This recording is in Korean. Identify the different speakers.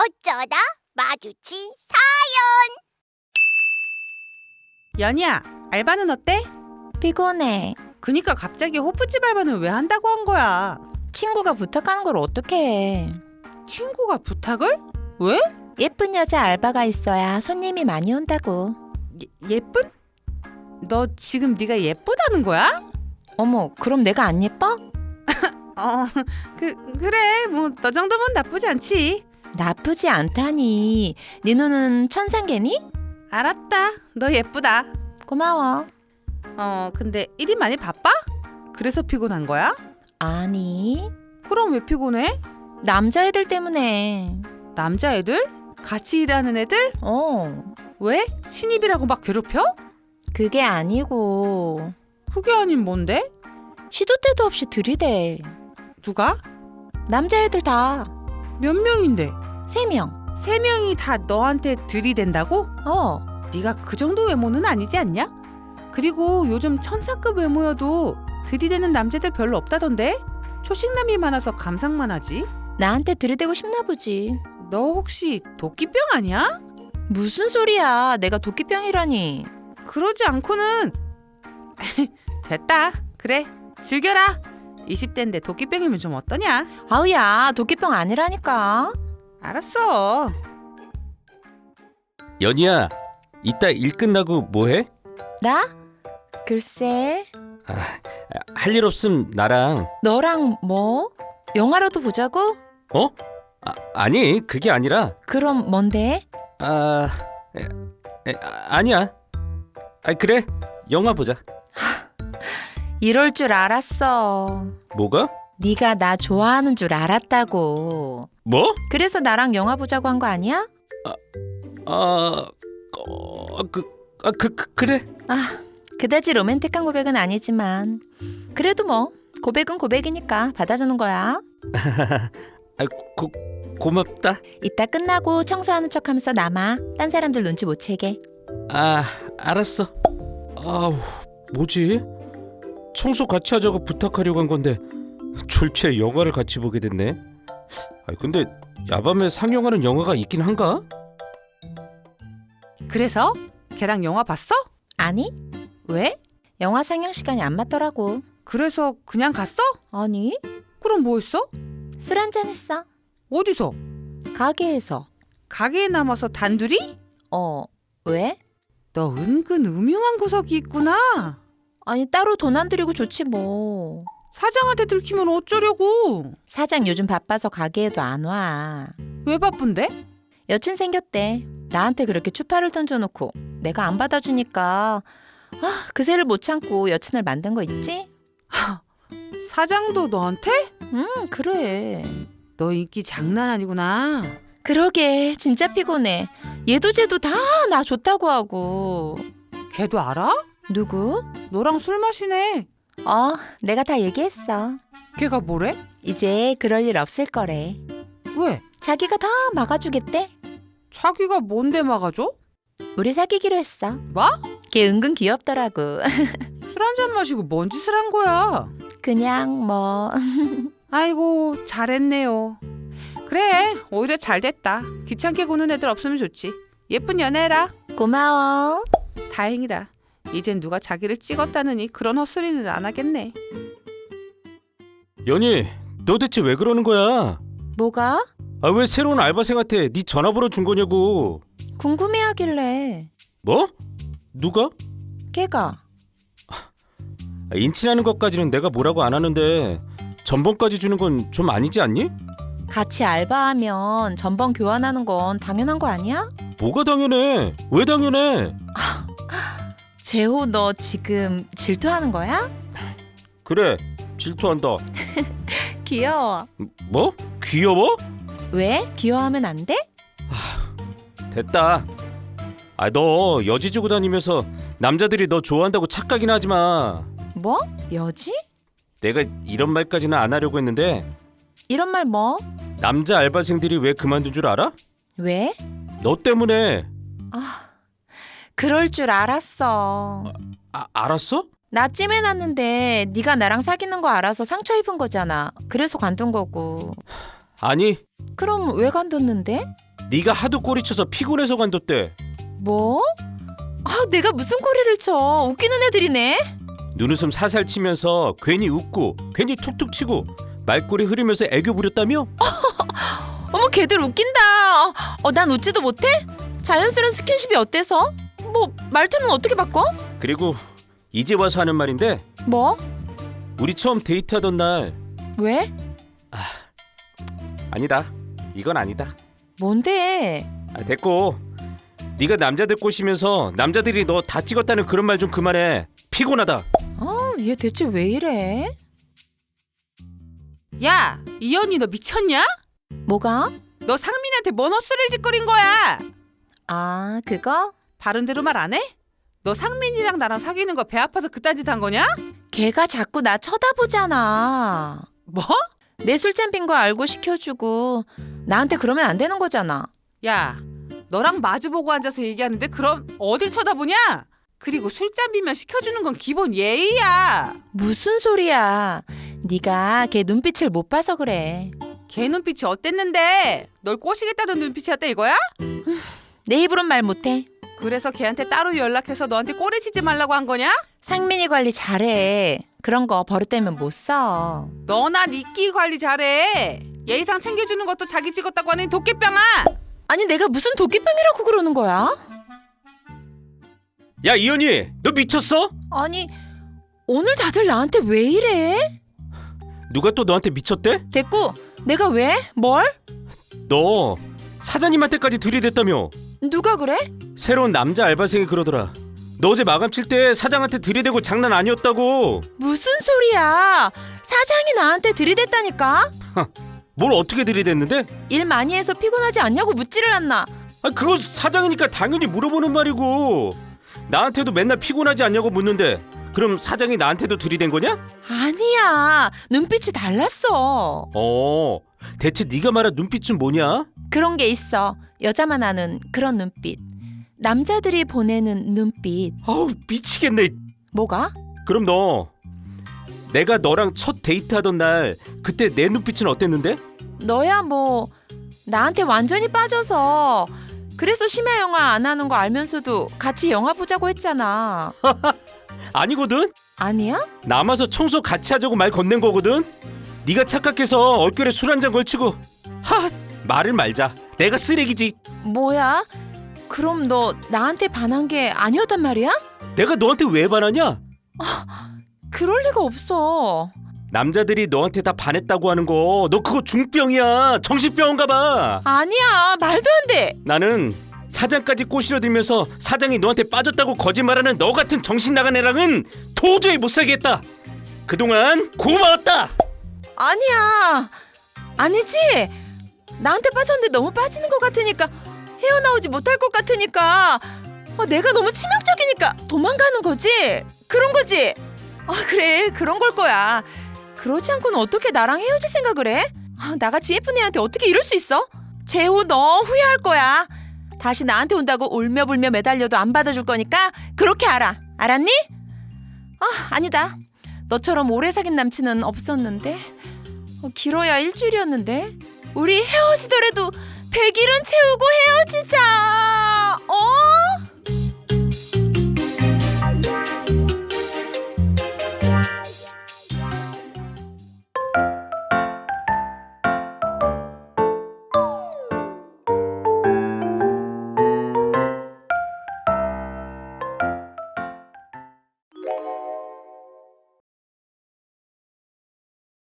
Speaker 1: 어쩌다 마주친
Speaker 2: 연희야, 알바는 어때?
Speaker 3: 피곤해.
Speaker 2: 그니까 갑자기 호프집 알바는 왜 한다고 한 거야?
Speaker 3: 친구가 부탁하는 걸 어떻게 해?
Speaker 2: 친구가 부탁을? 왜?
Speaker 3: 예쁜 여자 알바가 있어야 손님이 많이 온다고.
Speaker 2: 예쁜? 너 지금 네가 예쁘다는 거야?
Speaker 3: 어머, 그럼 내가 안 예뻐?
Speaker 2: 그래, 뭐 너 정도면 나쁘지 않지.
Speaker 3: 나쁘지 않다니. 네 눈은 천상개니?
Speaker 2: 알았다, 너 예쁘다.
Speaker 3: 고마워.
Speaker 2: 근데 일이 많이 바빠? 그래서 피곤한 거야?
Speaker 3: 아니,
Speaker 2: 그럼 왜 피곤해?
Speaker 3: 남자애들 때문에.
Speaker 2: 남자애들? 같이 일하는 애들? 왜? 신입이라고 막 괴롭혀?
Speaker 3: 그게 아니고
Speaker 2: 그게 아닌 뭔데?
Speaker 3: 시도 때도 없이 들이대.
Speaker 2: 누가?
Speaker 3: 남자애들 다
Speaker 2: 몇 명인데?
Speaker 3: 3명.
Speaker 2: 3명이 다 너한테 들이댄다고? 네가 그 정도 외모는 아니지 않냐? 그리고 요즘 천사급 외모여도 들이대는 남자들 별로 없다던데? 초식남이 많아서 감상만 하지.
Speaker 3: 나한테 들이대고 싶나 보지.
Speaker 2: 너 혹시 도끼병 아니야?
Speaker 3: 무슨 소리야. 내가 도끼병이라니.
Speaker 2: 그러지 않고는 됐다. 그래, 즐겨라. 20대인데 도끼병이면 좀 어떠냐?
Speaker 3: 아우야, 도끼병 아니라니까.
Speaker 2: 알았어.
Speaker 4: 연희야, 이따 일 끝나고 뭐 해?
Speaker 3: 나? 글쎄,
Speaker 4: 할 일 없음 나랑.
Speaker 3: 너랑 뭐? 영화라도 보자고?
Speaker 4: 아니, 그게 아니라.
Speaker 3: 그럼 뭔데?
Speaker 4: 아니야. 그래, 영화 보자.
Speaker 3: 이럴 줄 알았어.
Speaker 4: 뭐가?
Speaker 3: 네가 나 좋아하는 줄 알았다고.
Speaker 4: 뭐?
Speaker 3: 그래서 나랑 영화 보자고 한 거 아니야?
Speaker 4: 그래.
Speaker 3: 그다지 로맨틱한 고백은 아니지만 그래도 뭐 고백은 고백이니까 받아주는 거야.
Speaker 4: 고맙다.
Speaker 3: 이따 끝나고 청소하는 척하면서 남아. 딴 사람들 눈치 못 채게.
Speaker 4: 알았어. 뭐지? 청소 같이 하자고 부탁하려고 한 건데 졸지에 영화를 같이 보게 됐네. 근데 야밤에 상영하는 영화가 있긴 한가?
Speaker 2: 그래서 걔랑 영화 봤어?
Speaker 3: 아니,
Speaker 2: 왜?
Speaker 3: 영화 상영 시간이 안 맞더라고.
Speaker 2: 그래서 그냥 갔어?
Speaker 3: 아니,
Speaker 2: 그럼 뭐 했어?
Speaker 3: 술 한잔 했어.
Speaker 2: 어디서?
Speaker 3: 가게에서.
Speaker 2: 가게에 남아서 단둘이?
Speaker 3: 왜?
Speaker 2: 너 은근 음흉한 구석이 있구나.
Speaker 3: 아니, 따로 돈 안 들이고 좋지 뭐.
Speaker 2: 사장한테 들키면 어쩌려고.
Speaker 3: 사장 요즘 바빠서 가게에도 안 와.
Speaker 2: 왜 바쁜데?
Speaker 3: 여친 생겼대. 나한테 그렇게 추파를 던져놓고 내가 안 받아주니까 그새를 못 참고 여친을 만든 거 있지?
Speaker 2: 사장도 너한테?
Speaker 3: 그래.
Speaker 2: 너 인기 장난 아니구나.
Speaker 3: 그러게, 진짜 피곤해. 얘도 쟤도 다 나 좋다고 하고.
Speaker 2: 걔도 알아?
Speaker 3: 누구?
Speaker 2: 너랑 술 마시네.
Speaker 3: 내가 다 얘기했어.
Speaker 2: 걔가 뭐래?
Speaker 3: 이제 그럴 일 없을 거래.
Speaker 2: 왜?
Speaker 3: 자기가 다 막아주겠대.
Speaker 2: 자기가 뭔데 막아줘?
Speaker 3: 우리 사귀기로 했어.
Speaker 2: 뭐?
Speaker 3: 걔 은근 귀엽더라고.
Speaker 2: 술 한잔 마시고 뭔 짓을 한 거야?
Speaker 3: 그냥 뭐.
Speaker 2: 아이고, 잘했네요. 그래, 오히려 잘 됐다. 귀찮게 구는 애들 없으면 좋지. 예쁜 연애라.
Speaker 3: 고마워.
Speaker 2: 다행이다. 이젠 누가 자기를 찍었다느니 그런 헛소리는 안 하겠네.
Speaker 4: 연희, 너 대체 왜 그러는 거야?
Speaker 3: 뭐가?
Speaker 4: 왜 새로운 알바생한테 네 전화번호 준 거냐고.
Speaker 3: 궁금해하길래.
Speaker 4: 뭐? 누가?
Speaker 3: 걔가.
Speaker 4: 인친하는 것까지는 내가 뭐라고 안 하는데 전번까지 주는 건 좀 아니지 않니?
Speaker 3: 같이 알바하면 전번 교환하는 건 당연한 거 아니야?
Speaker 4: 뭐가 당연해? 왜 당연해?
Speaker 3: 재호, 너 지금 질투하는 거야?
Speaker 4: 그래, 질투한다.
Speaker 3: 귀여워.
Speaker 4: 뭐? 귀여워?
Speaker 3: 왜? 귀여워하면 안 돼?
Speaker 4: 됐다. 너 여지 주고 다니면서 남자들이 너 좋아한다고 착각이나 하지 마.
Speaker 3: 뭐? 여지?
Speaker 4: 내가 이런 말까지는 안 하려고 했는데
Speaker 3: 이런 말 뭐?
Speaker 4: 남자 알바생들이 왜 그만둔 줄 알아?
Speaker 3: 왜?
Speaker 4: 너 때문에.
Speaker 3: 그럴 줄 알았어.
Speaker 4: 알았어?
Speaker 3: 나 찜해놨는데 네가 나랑 사귀는 거 알아서 상처 입은 거잖아. 그래서 관둔 거고.
Speaker 4: 아니,
Speaker 3: 그럼 왜 관뒀는데?
Speaker 4: 네가 하도 꼬리쳐서 피곤해서 관뒀대.
Speaker 3: 뭐? 아, 내가 무슨 꼬리를 쳐? 웃기는 애들이네.
Speaker 4: 눈웃음 살살 치면서 괜히 웃고 괜히 툭툭 치고 말꼬리 흐리면서 애교 부렸다며?
Speaker 3: 어머, 걔들 웃긴다. 난 웃지도 못해? 자연스러운 스킨십이 어때서? 뭐 말투는 어떻게 바꿔?
Speaker 4: 그리고 이제 와서 하는 말인데
Speaker 3: 뭐?
Speaker 4: 우리 처음 데이트하던 날
Speaker 3: 왜?
Speaker 4: 아니다. 이건 아니다.
Speaker 3: 뭔데?
Speaker 4: 됐고 네가 남자들 꼬시면서 남자들이 너 다 찍었다는 그런 말 좀 그만해. 피곤하다.
Speaker 3: 얘 대체 왜 이래?
Speaker 2: 야, 이현이 너 미쳤냐?
Speaker 3: 뭐가?
Speaker 2: 너 상민이한테 뭔 헛소리를 짓거린 거야?
Speaker 3: 아, 그거?
Speaker 2: 바른 대로 말 안 해? 너 상민이랑 나랑 사귀는 거 배 아파서 그딴 짓 한 거냐?
Speaker 3: 걔가 자꾸 나 쳐다보잖아.
Speaker 2: 뭐?
Speaker 3: 내 술잔 빈 거 알고 시켜주고 나한테 그러면 안 되는 거잖아.
Speaker 2: 야, 너랑 마주보고 앉아서 얘기하는데 그럼 어딜 쳐다보냐? 그리고 술잔 비면 시켜주는 건 기본 예의야.
Speaker 3: 무슨 소리야? 네가 걔 눈빛을 못 봐서 그래.
Speaker 2: 걔 눈빛이 어땠는데? 널 꼬시겠다는 눈빛이었다 이거야?
Speaker 3: 내 입으론 말 못해.
Speaker 2: 그래서 걔한테 따로 연락해서 너한테 꼬리치지 말라고 한 거냐?
Speaker 3: 상민이 관리 잘해. 그런 거 버릇되면 못 써.
Speaker 2: 너나 네 끼 관리 잘해. 예의상 챙겨주는 것도 자기 찍었다고 하는 도깨병아.
Speaker 3: 아니, 내가 무슨 도끼병이라고 그러는 거야?
Speaker 4: 야 이현이 너 미쳤어?
Speaker 3: 아니, 오늘 다들 나한테 왜 이래?
Speaker 4: 누가 또 너한테 미쳤대?
Speaker 3: 됐고, 내가 왜? 뭘?
Speaker 4: 너 사장님한테까지 들이댔다며.
Speaker 3: 누가 그래?
Speaker 4: 새로운 남자 알바생이 그러더라. 너 어제 마감 칠 때 사장한테 들이대고 장난 아니었다고.
Speaker 3: 무슨 소리야? 사장이 나한테 들이댔다니까?
Speaker 4: 뭘 어떻게 들이댔는데?
Speaker 3: 일 많이 해서 피곤하지 않냐고 묻지를 않나?
Speaker 4: 그거 사장이니까 당연히 물어보는 말이고. 나한테도 맨날 피곤하지 않냐고 묻는데 그럼 사장이 나한테도 들이댄 거냐?
Speaker 3: 아니야, 눈빛이 달랐어.
Speaker 4: 대체 네가 말한 눈빛은 뭐냐?
Speaker 3: 그런 게 있어. 여자만 아는 그런 눈빛. 남자들이 보내는 눈빛.
Speaker 4: 아우 미치겠네.
Speaker 3: 뭐가?
Speaker 4: 그럼 너 내가 너랑 첫 데이트하던 날 그때 내 눈빛은 어땠는데?
Speaker 3: 너야 뭐 나한테 완전히 빠져서 그래서 심야 영화 안 하는 거 알면서도 같이 영화 보자고 했잖아.
Speaker 4: 아니거든?
Speaker 3: 아니야?
Speaker 4: 남아서 청소 같이 하자고 말 건넨 거거든? 네가 착각해서 얼결에 술 한 잔 걸치고 말을 말자. 내가 쓰레기지.
Speaker 3: 뭐야? 그럼 너 나한테 반한 게 아니었단 말이야?
Speaker 4: 내가 너한테 왜 반하냐?
Speaker 3: 그럴 리가 없어.
Speaker 4: 남자들이 너한테 다 반했다고 하는 거 너 그거 중병이야. 정신병인가 봐.
Speaker 3: 아니야, 말도 안 돼.
Speaker 4: 나는 사장까지 꼬시려 들면서 사장이 너한테 빠졌다고 거짓말하는 너 같은 정신 나간 애랑은 도저히 못 살겠다. 그동안 고마웠다.
Speaker 3: 아니야. 아니지. 나한테 빠졌는데 너무 빠지는 것 같으니까 헤어나오지 못할 것 같으니까 내가 너무 치명적이니까 도망가는 거지. 그런 거지. 그래, 그런 걸 거야. 그러지 않고는 어떻게 나랑 헤어질 생각을 해? 나같이 예쁜 애한테 어떻게 이럴 수 있어? 재호, 너 후회할 거야. 다시 나한테 온다고 울며불며 매달려도 안 받아줄 거니까 그렇게 알아. 알았니? 아니다. 너처럼 오래 사귄 남친은 없었는데 길어야 일주일이었는데 우리 헤어지더라도 100일은 채우고 헤어지자.